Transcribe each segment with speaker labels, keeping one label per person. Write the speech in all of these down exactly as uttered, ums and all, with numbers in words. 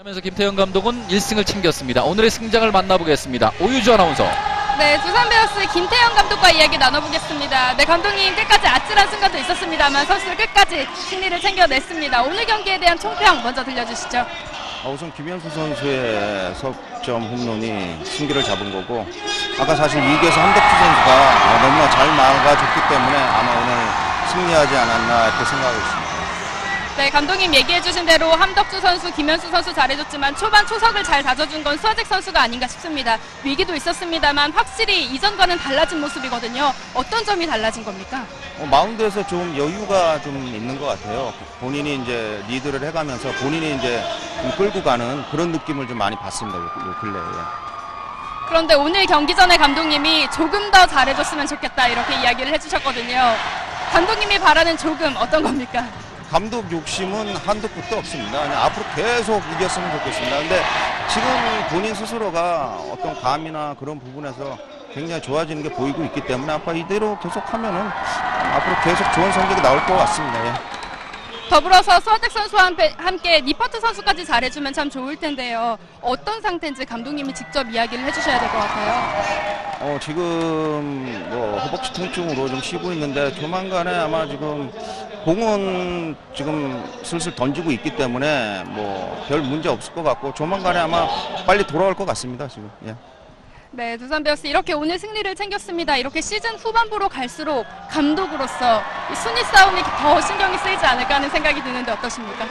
Speaker 1: 하면서 김태형 감독은 일 승을 챙겼습니다. 오늘의 승장을 만나보겠습니다. 오유주 아나운서.
Speaker 2: 네, 두산 베어스의 김태형 감독과 이야기 나눠보겠습니다. 네, 감독님 끝까지 아찔한 순간도 있었습니다만 선수들 끝까지 승리를 챙겨냈습니다. 오늘 경기에 대한 총평 먼저 들려주시죠.
Speaker 3: 우선 김현수 선수의 석점 홈런이 승기를 잡은 거고, 아까 사실 이 기에서 한덕주 선수가 너무나 잘 막아줬기 때문에 아마 오늘 승리하지 않았나 이렇게 생각하고 있습니다.
Speaker 2: 네, 감독님 얘기해주신 대로 함덕주 선수, 김현수 선수 잘해줬지만 초반 초석을 잘 다져준 건 수아잭 선수가 아닌가 싶습니다. 위기도 있었습니다만 확실히 이전과는 달라진 모습이거든요. 어떤 점이 달라진 겁니까?
Speaker 3: 어, 마운드에서 좀 여유가 좀 있는 것 같아요. 본인이 이제 리드를 해가면서 본인이 이제 좀 끌고 가는 그런 느낌을 좀 많이 받습니다. 요, 요 근래에.
Speaker 2: 그런데 오늘 경기 전에 감독님이 조금 더 잘해줬으면 좋겠다 이렇게 이야기를 해주셨거든요. 감독님이 바라는 조금 어떤 겁니까?
Speaker 3: 감독 욕심은 한도 끝도 없습니다. 그냥 앞으로 계속 이겼으면 좋겠습니다. 근데 지금 본인 스스로가 어떤 감이나 그런 부분에서 굉장히 좋아지는 게 보이고 있기 때문에 아마 이대로 계속 하면은 앞으로 계속 좋은 성적이 나올 것 같습니다. 예.
Speaker 2: 더불어서 수아잭 선수와 함께 니퍼트 선수까지 잘해주면 참 좋을 텐데요. 어떤 상태인지 감독님이 직접 이야기를 해주셔야 될 것 같아요.
Speaker 3: 어, 지금 뭐 허벅지 통증으로 좀 쉬고 있는데 조만간에 아마 지금 공은 지금 슬슬 던지고 있기 때문에 뭐 별 문제 없을 것 같고 조만간에 아마 빨리 돌아올 것 같습니다. 지금. 예.
Speaker 2: 네, 두산 베어스 이렇게 오늘 승리를 챙겼습니다. 이렇게 시즌 후반부로 갈수록 감독으로서 이 순위 싸움이 더 신경이 쓰이지 않을까 하는 생각이 드는데 어떠십니까?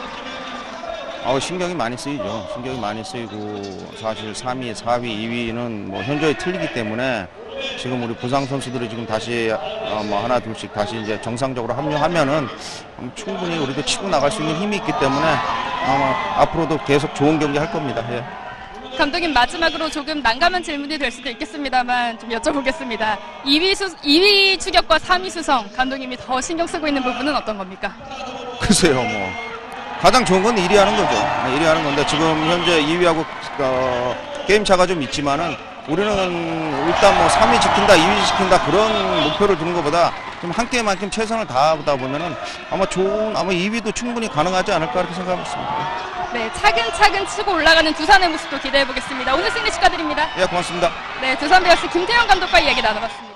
Speaker 3: 어, 신경이 많이 쓰이죠. 신경이 많이 쓰이고 사실 삼 위, 사 위, 이 위는 뭐 현저히 틀리기 때문에 지금 우리 부상 선수들이 지금 다시 어, 뭐 하나 둘씩 다시 이제 정상적으로 합류하면은 충분히 우리도 치고 나갈 수 있는 힘이 있기 때문에 아마 앞으로도 계속 좋은 경기 할 겁니다. 예.
Speaker 2: 감독님 마지막으로 조금 난감한 질문이 될 수도 있겠습니다만 좀 여쭤보겠습니다. 이 위, 수, 이 위 추격과 삼 위 수성 감독님이 더 신경 쓰고 있는 부분은 어떤 겁니까?
Speaker 3: 글쎄요, 뭐 가장 좋은 건 일 위 하는 거죠. 일 위 하는 건데 지금 현재 이 위하고 어, 게임 차가 좀 있지만은 우리는 일단 뭐 삼 위 지킨다, 이 위 지킨다 그런 목표를 두는 것보다 좀 한 게임만큼 최선을 다하다 보면은 아마 좋은 아마 이 위도 충분히 가능하지 않을까 이렇게 생각하고 있습니다.
Speaker 2: 네, 차근차근 치고 올라가는 두산의 모습도 기대해 보겠습니다. 오늘 승리 축하드립니다.
Speaker 3: 예, 고맙습니다.
Speaker 2: 네, 두산 베어스 김태형 감독과 이야기 나눠봤습니다.